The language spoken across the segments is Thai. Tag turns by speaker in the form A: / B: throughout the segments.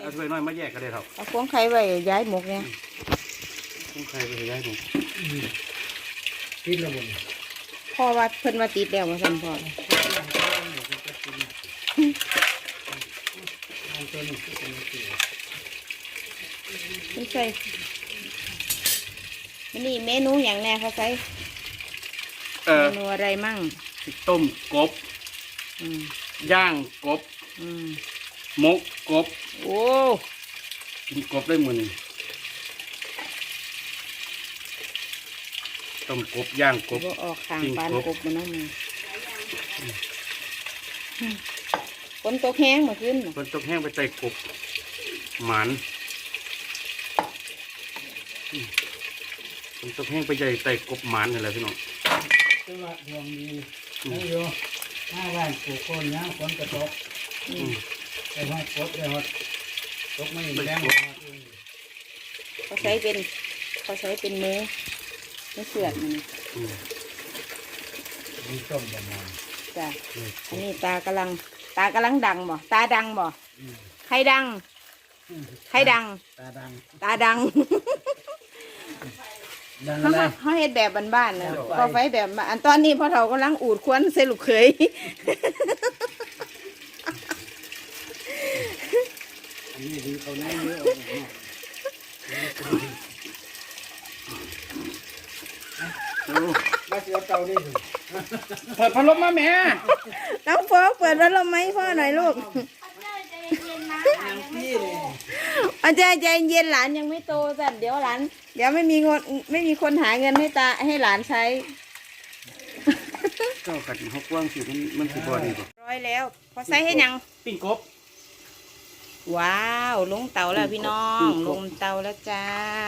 A: เอาถ้วยน้อยมาแยกกันได้ครับ
B: เอาพวงไข่ไว้ย้ายหมกเนี่ย
A: พวงไข่ไปย้ายหมก
C: ติดแล้วบ่
B: พ่อว่าเพิ่นว่าติดแล้วมาสั่นพ่อไม่ใช่นี่เมนูอย่างแน่เขาใช้เมนูอะไรมั่ง
A: ต้มกบย่างกบหมกกบ
B: โอ้
A: กินกบได้หมดนี่ต้มกบย่างกบ
B: ออกข้างปานกบมันนั่นฝนตกแห้งมาขึ้น
A: ฝนตกแห้งไปใส่กบหมันฝนตกแห้งไปใส่กบหมันอะไรพี่น้อง
C: จังหวะดวงดีได้อยู่5 วันปลูกคนนะฝนกระตกไปฮอดกบได้ฮอดตกไม่แรง
B: เขาใช้เป็นมือไม่เสือดมัน
C: มีต้มประมาณ
B: จ้ะอันนี้ตากำลังดังบ่ตาดังบ่ใครดังตาดังเขาเฮ็ดแบบบ้านๆนะพอไฟแบบอันตอนนี้พ่อเฒ่ากำลังอูดควนใส่ลูกเขย
C: อันนี้ดีเขาแน่เยอะมาเสียเตาดิ
A: เปิดพัดลมมาแม่
B: น้องโฟกเปิดพัดลมไหมพ่อหน่อยลูกอาจารย์ใจเย็นหลานยังไม่โตสั่นเดี๋ยวหลานเดี๋ยวไม่มีคนหาเงินให้หลานใช้
A: ก็กัดหกว่างสิมันสิบอดี
B: ร้อยแล้วพอใส่ให้ยัง
A: ปิ้งกบ
B: ว้าวลงเตาแล้วพี่น้องลงเตาแล้วจ้า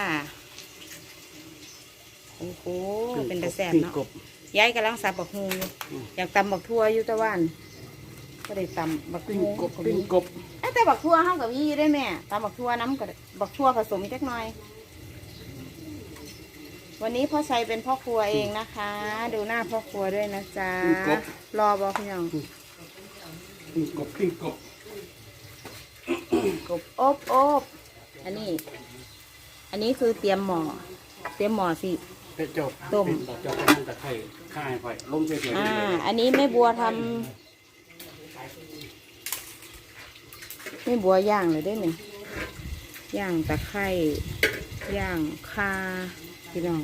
B: โอ้โหเป็นตะแสบเนาะย้ายกำลังสับบักฮูอยากตำบักทั่วอยู่ตะวันก็ได้ตำบักฮู
A: ปิ้งกบ
B: แต่บักทั่วห้องกับยี่ได้แม่ตำบักทั่วน้ำกับบักทั่วผสมเล็กน้อยวันนี้พ่อชัยเป็นพ่อครัวเองนะคะดูหน้าพ่อครัวด้วยนะจ๊ะรอบอกพี่น้อง
A: ปิ้งกบ
B: อบอันนี้คือเตรียมหม้อสิต้ม
A: จบนั่งตะไคร้ข้าวไฟลมเฉย
B: ๆอันนี้แม่บัวทำแม่บัวย่างเลยได้ไหมย่างตะไคร้ย่างคาพี่น้อง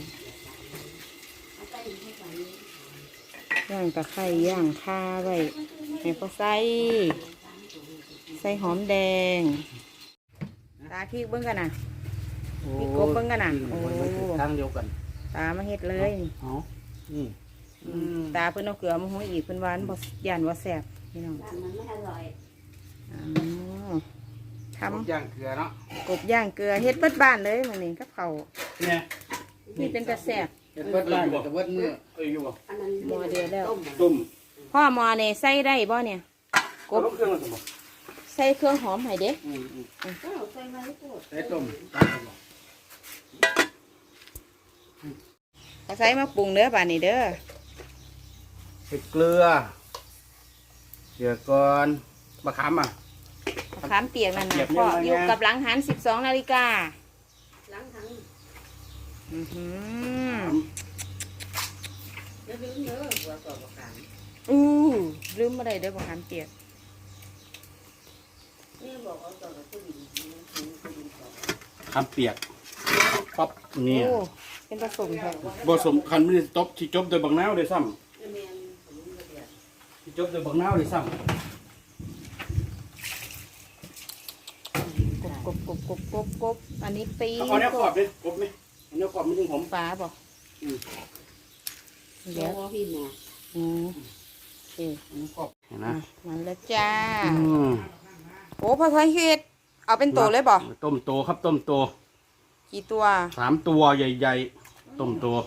B: ย่างตะไคร้ย่างคาไว้ให้เขาใส่หอมแดงตาขี้เบิ้งกันนะพี่กบเบิ้งกันนะโอ้
A: ทางเดียวกัน
B: ตามาเฮ็ดเลยตาเพิ่นเอาเกลือมาหุ้ยอีกเพิ่นหวานบ่ย่านบ่แซ่บพี่น้องมันไม่อร่อยทำ
A: ย่างเกลือเนาะ
B: กบย่างเกลือเฮ็ดเบิดบ้านเลยมื้อนี้กับเขา
A: เนี่ย
B: นี่เป็นตะแซ่บ
A: เฮ็ดเบิดบ้านแต่เบิดมื้ออยู่บ่
B: หม้อเดือดแล้ว
A: ต้ม
B: พ่อหม้อนี่ใส่ได้บ่เนี่ย
A: กบเครื่องมันบ่
B: ใส่เครื่องหอมให้เด้
A: ใส่ต้ม
B: เขาใส่มาปรุงเด้อป่านนี้เด้อ
A: ใส่เกลือเดี๋ยวก่อนมะขาม
B: มะขามเปียกนั่นนะพ่ออยู่กับหลังหัน12 นาฬิกาหลังหันลืมอะไรเด้อมะขามเปียก
A: ขามเปียกปั๊บเนี่ย
B: เป็นผสมครับ
A: ผสมคันไม่ได้ตบที่จบโดยบังน้าวเลยซ้ำที่จบโดยบังน้าวเลยซ้ำ
B: กบอันนี้ปี
A: เอาเนื้อขอบเลยกบไหมเนื้อขอบไม่ถึงผม
B: ปลาบอกเดี๋ยวพี่หมอเนื้อขอบเห็นไหมมันแล้วจ้าโอ้พอใช้เห็ดเอาเป็นโตเลยบ่
A: ต้มโตครับต้มโต
B: กี่ตัว
A: 3 ตัวใหญ่ๆต้มโต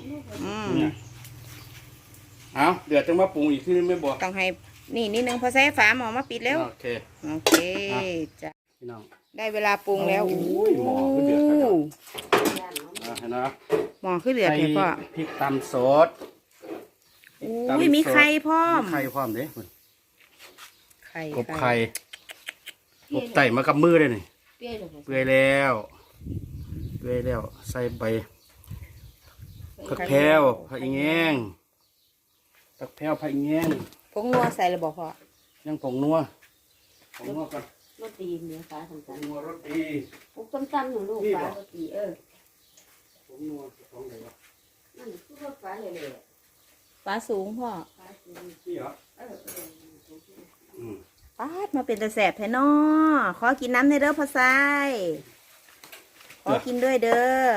A: เอาเดี๋ยวจะมาปรุงอีกทีไม่บอก
B: ต้องให้นี่นิดนึงพอใช้ฝาหม้อมาปิดแล้ว
A: โอ
B: เคจ้ะ
A: พี่น้อง
B: ได้เวลาปรุงแล้ว
A: หม้อขึ้นเดือดแล้วเห็นไหม
B: หม้อขึ้นเดือดเลยพ่อ
A: พริกตำสด
B: มีไข่พร้อม
A: ไข่พร้อมเด้กบไข่กบไต่มากับมือเลยนี่
B: เปรี้ยวเลย
A: เปื่อยแล้วเปื่อยแล้วใส่ใบผักแพรวผักอีแงงผักแพรวผักอีแงง
B: ผงนัวใส่เลยบอกพ่อ
A: ยังผงนัวผงนัวก่อน
D: รถตีเนื้อฟ้าทำ
A: ผ
D: กั
A: ง
D: น
A: นัวรสดี
D: ปุ๊บต้มๆหนูลูกฟ้ารถตี
A: ผงนัวของไหนวะ
D: นั่นคือรถฟ้าเลยเลย
B: ฟ้าสูงพ่อ
D: ฟ้าคือ
A: นี่เหรออืม
B: ปาดมาเป็นตะแสบแท้นอขอกินน้ำในเด้อพ่อไซขอกินด้วยเด้อก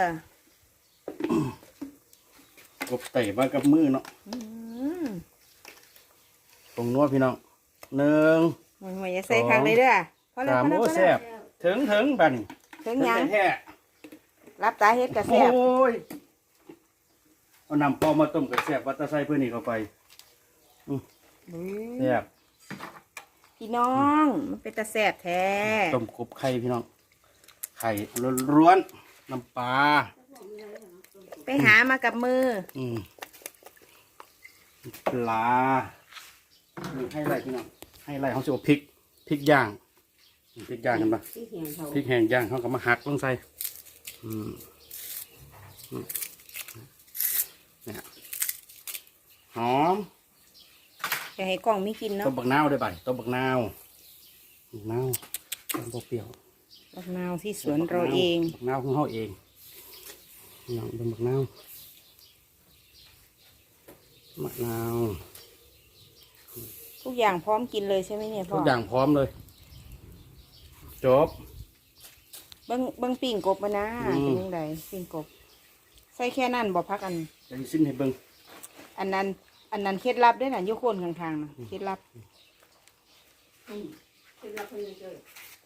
A: บไต่มากับมือเนาะ
B: อืม
A: ผงนัวพี่น้องหนึ่ง
B: มันไม่ใส่ข้างเลยเด้อพอแล้ว
A: สาม
B: พอแล้ว
A: โอ้
B: พอ
A: แซ่
B: แล้ว
A: บถึงบัดน
B: ถึงยัง
A: แท้
B: รับตาเฮ็ดกระ
A: ๆ
B: แส
A: โอ้
B: บ
A: ยเอาน้ำปอมาต้มกับแซ่บวัตตะไซเพื่อนนี่เข้าไปแซ่บ
B: พี่น้องมันเป็นตะแสบแท้
A: ต้มกบไข่พี่น้องไข่ล้วนๆน้ำปลา
B: ไปหามากับมือ
A: ปลานี่ให้ไรพี่น้องให้ไรเขาจะเอาพริกย่างพริกย่างกันปะ
D: ที่เหี่ยงเขา
A: พริกแห้งย่างเขาก็มาหักลงใส่เนี่ยหอม
B: อยากให้กล้องมีกิน
A: ต้
B: เนาะ
A: มบักนาวได้บ่ต้มบักนาวต้มเปรี้ยว
B: บักนาวที่สวนเราเอง
A: บักนาวของเขาเองนี่น้องต้มบักนาวมะนาว
B: ทุกอย่างพร้อมกินเลยใช่ไหมเนี่ยพ่
A: ทุ
B: อก
A: อย่างพร้อมเลยจบ
B: เบิ้งปิ้งกบมานะ เป็นยังไงปิ้งกบ ใส่แค่นั้นบ่พักอัน
A: จะสิ้นให้เบิ่ง
B: อันนั้นเคล็ดลับด้วยนะยุคนข้างๆนะเคล็ดลับ
D: เป็นรับคนเจอ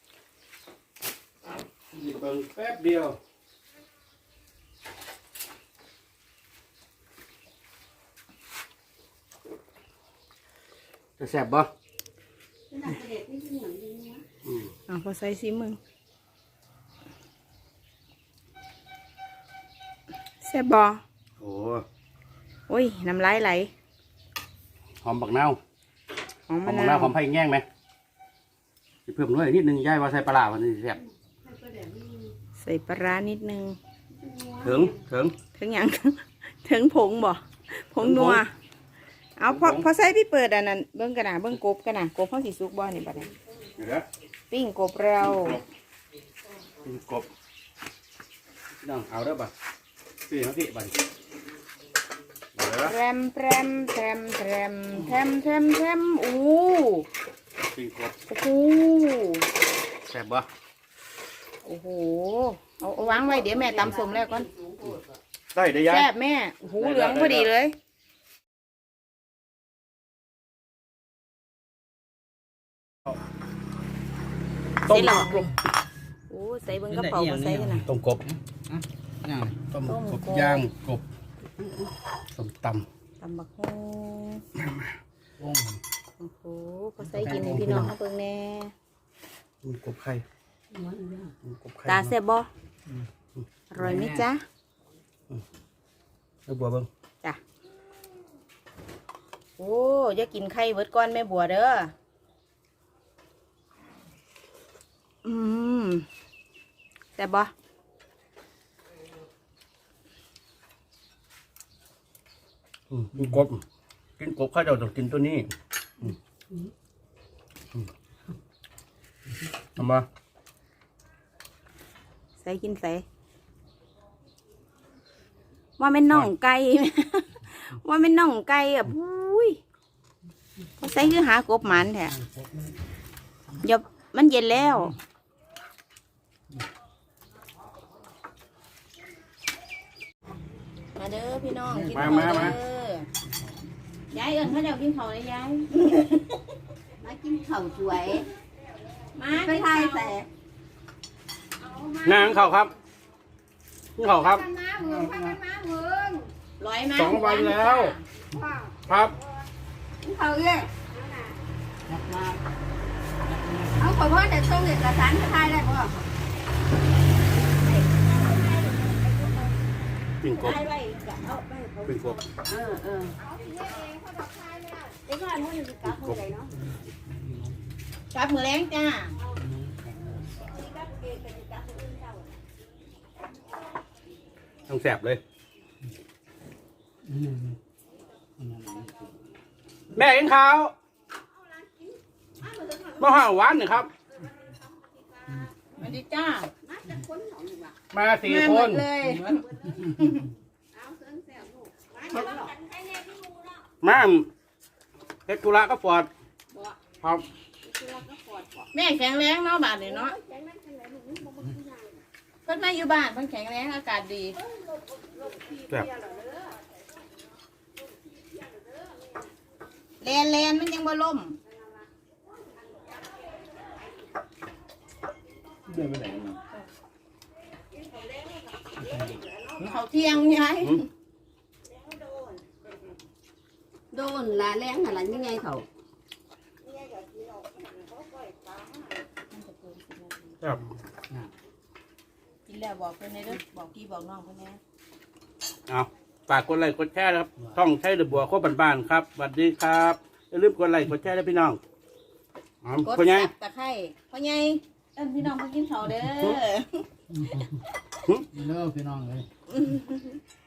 A: เบิ่งแป๊บเดียวจะแซ่บบ่
D: เป็นนักเด็กไม่ใช่เหมือนดีนะ
B: พอใส่ซิมึงแซ่บบ่
A: โอ้
B: โอ้ยน้ำลายไหล
A: หอมบักนาว
B: หอม
A: หอ
B: มะ
A: มบัก
B: นาน
A: าว
B: ว
A: หอมไผ่แง่งไหมสิเพิ่มด้วยนิดนึงย่ายว่าใส่ปลาร้ามันสิแซ่บ
B: ใส่ปลาร้านิดนึง
A: ถึง
B: ถึงหยัง ถึงผงบ่ผงนัว เอาพอใส่พี่เปิดอันนั้นเบิ้งกันนะเบิ้งกบกันนะกบเขาสีสุกบ่นี่บัดนี้
A: เดี๋ยว
B: ปิ้งกบเรา
A: กินกบน้องเอาเด้อบ่สี่นาทีบ่เดี๋ยว
B: แรมแรมแรมแรมแรมแรมแรมอู้
A: กินกบ
B: โอ้โห
A: แซ่บบ่
B: โอ้โหเอาวางไว้เดี๋ยวแม่ตำสมแล้วก่อน
A: ได้เด้อยาย
B: แซ่บแม่หูเหลืองพอดีเลย
A: ต้ม
B: ใส่หลอดโอ้ใส่เบิ้งกระเป๋าก็ใส่กันนะ
A: ต้มกบ
C: ย่าง
A: ต้ม
B: ต้ม
A: กบ
B: กบ
A: ย่างกบต้มต
B: ตำบักฮง
C: วง
B: โอ้โหก็ใส่กินให้พี่น้องเขาเบิ่งแน่
A: ำมีกบไข่มีกบไข่
B: ตาแซ่บบ่อร่อยไหมจ๊ะ
A: แล้วบัวเบิ่ง
B: จ้ะโอ้อย่ากินไข่เบิดก้อนแม่บัวเด้อแซ่บบ่
A: กินกบข้าวเจ้าต้องกินตัวนี้ทำมา
B: ใส่กินใส่ว่าเป็นน่องไก่ ว่าเป็นน่องไก่อ่ะพุ้ยพอใส่คือหากบหมันแท้เดี๋ยวมันเย็นแล้ว มาเด้อพี่น้องกินข้าวเด้อยายเอิญเขาเดี๋ยวกินข้าวเลยยาย
D: มากินข้าวสวย
B: มา
D: ไป
B: กิน
D: ไท
B: ข้าวย
D: แต่
A: นางข้าวครับนี่ข้าวครับ
B: ร้อยมา
A: 2 วันแล้ว ครับ
D: กินข้าวเยอะเอาขอพ่อแต่ต้องเอกสารไปไทยได้ป่ะ
A: ปิ้งกบ
D: ไทยไว้เอาไปเขา
A: ปิ้งกบ
D: เดี๋ยวก่อนมันจะกลับเมื่อไหร่เนาะ
B: กลับมือแรงจ้า
D: กับเอก
A: ต้องแสบเลย แม่กินข้าวมาห่าหวานหน่อยครับ
B: สวัสดีจ้า
A: มาสี่
B: มา
A: ค
B: หม
A: น
B: ดเลย
A: มาเฮ็ดธุระก็ฟอดครับ
B: แม่แข็งแรงเนาะบาดนี่เนาะเพิ่นมาอยู่บ้านเพิ่นแข็งแรงอากาศดี
A: แซ่บ
B: แลนมันยังบ่ล่ม
C: เดินไปไหนมา
B: เขาเที่ยงยาย
D: โดนลาแรงอะไรยังไงเขา
A: แซ่บ
B: กินแล้วบอกเพิ่นในเด้อบอกพี่บอกน้องเพิ่นแน่
A: เอาฝากกดไลค์กดแชร์นะครับช่องใช้เดือบัวโคบบ้านๆครับสวัสดีครับอย่าลืมกดไลค์กดแชร์ด้วยพี่น้อง
B: กด
A: พ่อใหญ่
B: ซับตะไคร้พ่อใหญ่เอิ้นพี่น้องมากินข้าวเด้อ
C: เลิกพี่น้องเลย